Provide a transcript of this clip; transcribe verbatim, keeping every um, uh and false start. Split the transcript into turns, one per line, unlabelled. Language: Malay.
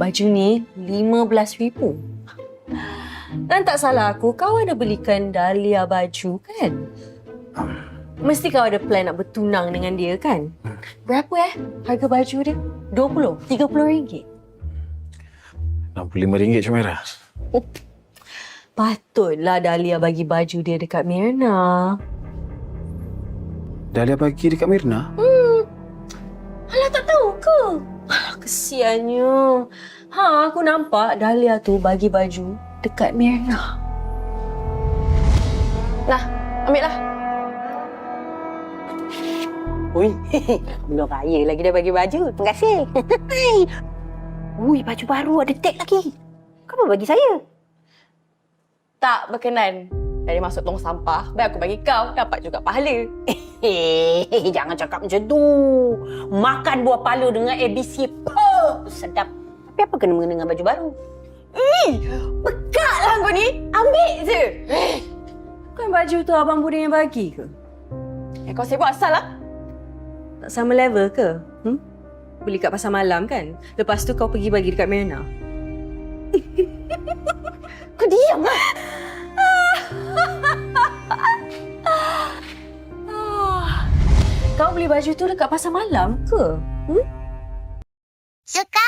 baju ni lima belas ribu. Dan tak salah aku, kau ada belikan Dahlia baju kan? Mesti kau ada plan nak bertunang dengan dia kan? Berapa eh harga baju dia? dua puluh? tiga puluh ringgit?
enam puluh lima ringgit Syumairah.
Oh, patutlah Dahlia bagi baju dia dekat Myrna.
Dahlia bagi dekat Myrna?
Hmm. Alah, tak tahu ke? Alah, kesiannya. Ha, aku nampak Dahlia tu bagi baju dekat Myrna. Nah, ambillah.
Ui, belum raya lagi dah bagi baju. Terima kasih. Ui, baju baru ada tag lagi. Kenapa bagi saya?
Tak berkenan. Dari masuk tong sampah, baik aku bagi kau, dapat juga pahala.
Hehehe, jangan cakap macam tu. Makan buah palu dengan A B C, puh, sedap. Tapi apa kena mengena dengan baju baru?
Ih, pekat lah kau ni. Ambil je.
Kan baju tu Abang Budin yang bagi ke?
Eh, kau sibuk asal lah.
Tak sama level ke? Hmm? Beli kat pasar malam kan? Lepas tu kau pergi bagi dekat Myrna.
Kau diam lah.
Kau beli baju tu dekat pasar malam ke? Hmm?
Suka